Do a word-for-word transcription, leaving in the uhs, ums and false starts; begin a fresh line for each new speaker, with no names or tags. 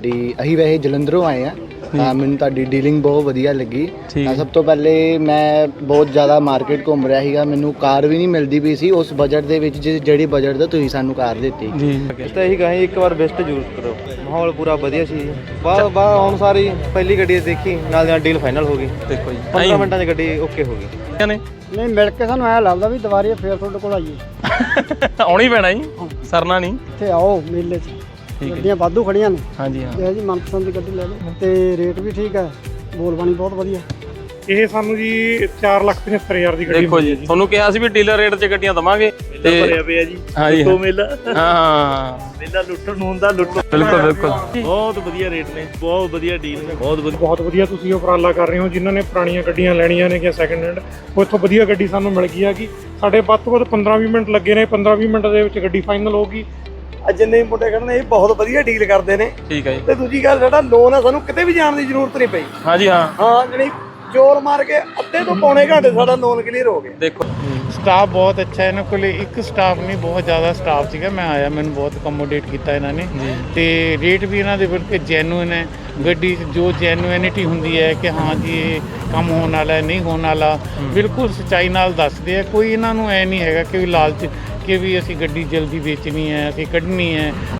ਤੁਹਾਡੀ ਅਸੀਂ ਵੈਸੇ ਜਲੰਧਰੋਂ ਆਏ ਆ ਤਾਂ ਮੈਨੂੰ ਤੁਹਾਡੀ ਡੀਲਿੰਗ ਬਹੁਤ ਵਧੀਆ ਲੱਗੀ। ਤਾਂ ਸਭ ਤੋਂ ਪਹਿਲੇ ਮੈਂ ਬਹੁਤ ਜ਼ਿਆਦਾ ਮਾਰਕੀਟ ਘੁੰਮ ਰਿਹਾ ਸੀਗਾ, ਮੈਨੂੰ ਕਾਰ ਵੀ ਨਹੀਂ ਮਿਲਦੀ ਪਈ ਸੀ ਉਸ ਬਜਟ ਦੇ ਵਿੱਚ ਜਿਸ ਜਿਹੜੀ ਬਜਟ ਦਾ ਤੁਸੀਂ ਸਾਨੂੰ ਕਾਰ ਦਿੱਤੀ ਜੀ।
ਤਾਂ ਇਹੀ ਕਹਾਂ ਇੱਕ ਵਾਰ ਬੈਸਟ ਯੂਜ਼ ਕਰੋ, ਮਾਹੌਲ ਪੂਰਾ ਵਧੀਆ ਸੀ। ਬਾਹਰ ਬਾਹਰ ਆਉਣ ਸਾਰੀ ਪਹਿਲੀ ਗੱਡੀ ਦੇਖੀ ਨਾਲ ਨਾਲ ਡੀਲ ਫਾਈਨਲ ਹੋ ਗਈ। ਦੇਖੋ ਜੀ ਪੰਦਰਾਂ ਮਿੰਟਾਂ 'ਚ ਗੱਡੀ ਓਕੇ ਹੋ ਗਈ।
ਨਹੀਂ ਮਿਲ ਕੇ ਸਾਨੂੰ ਐਂ ਲੱਗਦਾ ਵੀ ਦੁਬਾਰੇ ਫੇਰ ਤੁਹਾਡੇ ਕੋਲ ਆਈਏ।
ਆਉਣੀ ਪੈਣਾ ਜੀ, ਸਰਨਾ ਨਹੀਂ।
ਇੱਥੇ ਆਓ ਮੇਲੇ 'ਚ ਗੱਡੀਆਂ ਵਾਧੂ ਖੜੀਆਂ ਨੇ।
ਹਾਂਜੀ ਹਾਂ
ਇਹ ਜੀ ਮਨਪਸੰਦ ਦੀ ਗੱਡੀ ਲੈ ਲਓ ਤੇ ਰੇਟ ਵੀ ਠੀਕ ਹੈ, ਬੋਲ ਬਾਣੀ ਬਹੁਤ ਵਧੀਆ।
ਇਹ ਸਾਨੂੰ ਜੀ ਚਾਰ ਲੱਖ ਪਝੱਤਰ ਹਜ਼ਾਰ ਦੀ ਗੱਡੀ
ਦੇਖੋ ਜੀ, ਤੁਹਾਨੂੰ ਕਿਹਾ ਸੀ ਵੀ ਡੀਲਰ ਰੇਟ 'ਚ ਗੱਡੀਆਂ ਦਵਾਂਗੇ ਤੇ
ਭਰਿਆ ਪਿਆ ਜੀ।
ਹਾਂਜੀ
ਲੁੱਟੋ ਮੇਲਾ,
ਹਾਂ
ਮੇਲਾ ਲੁੱਟਣ ਨੂੰ ਹੁੰਦਾ, ਲੁੱਟੋ।
ਬਿਲਕੁਲ ਬਿਲਕੁਲ
ਬਹੁਤ ਵਧੀਆ ਰੇਟ ਨੇ, ਬਹੁਤ ਵਧੀਆ ਡੀਲ ਨੇ, ਬਹੁਤ ਵਧੀਆ
ਬਹੁਤ ਵਧੀਆ ਤੁਸੀਂ ਉਪਰਾਲਾ ਕਰ ਰਹੇ ਹੋ। ਜਿਨ੍ਹਾਂ ਨੇ ਪੁਰਾਣੀਆਂ ਗੱਡੀਆਂ ਲੈਣੀਆਂ ਨੇ ਜਾਂ ਸੈਕਿੰਡ ਹੈਂਡ, ਉਹ ਇੱਥੋਂ ਵਧੀਆ ਗੱਡੀ ਸਾਨੂੰ ਮਿਲ ਗਈ ਹੈਗੀ। ਸਾਡੇ ਵੱਧ ਤੋਂ ਵੱਧ ਪੰਦਰਾਂ ਵੀਹ ਮਿੰਟ ਲੱਗੇ ਨੇ, ਪੰਦਰਾਂ ਵੀਹ ਮਿੰਟ ਦੇ ਵਿੱਚ ਗੱਡੀ ਫਾਈਨਲ ਹੋਊਗੀ।
ਜਿੰਨੇ ਮੁੰਡੇ ਖੜਨੇ ਇਹ ਬਹੁਤ ਵਧੀਆ ਡੀਲ ਕਰਦੇ ਨੇ।
ਠੀਕ ਹੈ ਜੀ।
ਤੇ ਦੂਜੀ ਗੱਲ ਸਾਡਾ ਲੋਨ ਆ, ਸਾਨੂੰ ਕਿਤੇ ਵੀ ਜਾਣ ਦੀ ਜ਼ਰੂਰਤ ਨਹੀਂ ਪਈ।
ਹਾਂਜੀ ਹਾਂ
ਹਾਂ ਜਿਹੜੀ ਜ਼ੋਰ ਮਾਰ ਕੇ ਅੱਧੇ ਤੋਂ ਪੌਣੇ ਘੰਟੇ ਸਾਡਾ ਲੋਨ ਕਲੀਅਰ ਹੋ ਗਿਆ।
ਦੇਖੋ
ਸਟਾਫ ਬਹੁਤ ਅੱਛਾ ਹੈ ਇਹਨਾਂ ਕੋਲ, ਇੱਕ ਸਟਾਫ ਨਹੀਂ ਬਹੁਤ ਜ਼ਿਆਦਾ ਸਟਾਫ ਸੀਗਾ। ਮੈਂ ਆਇਆ, ਮੈਨੂੰ ਬਹੁਤ ਅਕੋਮੋਡੇਟ ਕੀਤਾ ਇਹਨਾਂ ਨੇ ਤੇ ਰੇਟ ਵੀ ਇਹਨਾਂ ਦੇ ਬਿਲਕੁਲ ਜੈਨੂਇਨ ਹੈ। ਗੱਡੀ 'ਚ ਜੋ ਜੈਨੂਇਨਿਟੀ ਹੁੰਦੀ ਹੈ ਕਿ ਹਾਂ ਜੀ ਇਹ ਕੰਮ ਹੋਣ ਵਾਲਾ ਹੈ, ਨਹੀਂ ਹੋਣ ਵਾਲਾ, ਬਿਲਕੁਲ ਸੱਚਾਈ ਨਾਲ ਦੱਸਦੇ ਆ। ਕੋਈ ਇਹਨਾਂ ਨੂੰ ਐ ਨਹੀਂ ਹੈਗਾ ਕਿ ਵੀ ਲਾਲਚ ਕਿ ਵੀ ਅਸੀਂ ਗੱਡੀ ਜਲਦੀ ਵੇਚਣੀ ਹੈ, ਅਸੀਂ ਕੱਢਣੀ ਹੈ।